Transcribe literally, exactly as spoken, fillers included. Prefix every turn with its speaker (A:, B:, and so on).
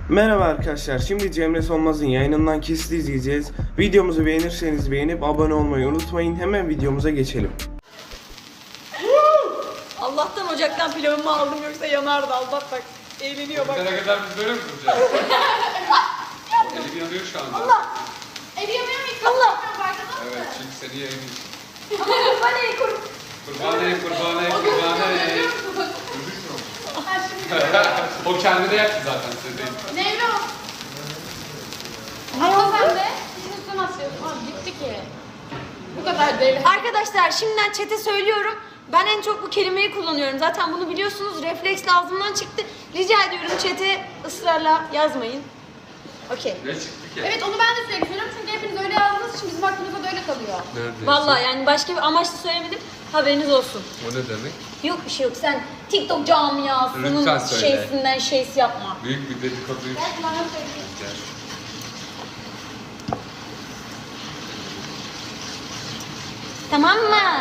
A: Merhaba arkadaşlar, şimdi Cemre Solmaz'ın yayınından kesit izleyeceğiz. Videomuzu beğenirseniz beğenip abone olmayı unutmayın. Hemen videomuza geçelim.
B: Allah'tan ocaktan pilavımı aldım, yoksa yanardı. Allah bak, eğleniyor bak.
C: Ne kadar biz böyle mi duracağız? Elim yanıyor şu anda.
B: Allah!
D: Evi yanıyor mu?
B: Allah!
C: Evet, çünkü seni yayınlıyorsun.
B: Ama kurban ey kur.
C: Kurban ey, kurban ey, kurban ey. O kendine yaptı zaten, size değil.
D: Nevro. Ama sen de işin üstüne atıyorsun. Aa, gitti ki. Bu kadar değil.
B: Arkadaşlar şimdiden chat'e söylüyorum. Ben en çok bu kelimeyi kullanıyorum. Zaten bunu biliyorsunuz. Refleks ağzımdan çıktı. Rica ediyorum chat'e ısrarla yazmayın. Okey.
C: Ne çıktı ki?
D: Evet, onu ben de sürekli söylüyorum çünkü hepiniz öyle yazdığınız için bizim aklımızda da öyle kalıyor.
C: Neredeyse.
B: Vallahi yani başka bir amaçla söylemedim. Haberiniz olsun.
C: O ne demek?
B: Yok bir şey yok. Sen TikTok camiasının
C: Lütfen söyle.
B: şeysinden şeysi yapma.
C: Büyük bir dedikoduymuş.
D: Gel bana söyleyeyim.
C: Gel.
B: Tamam mı?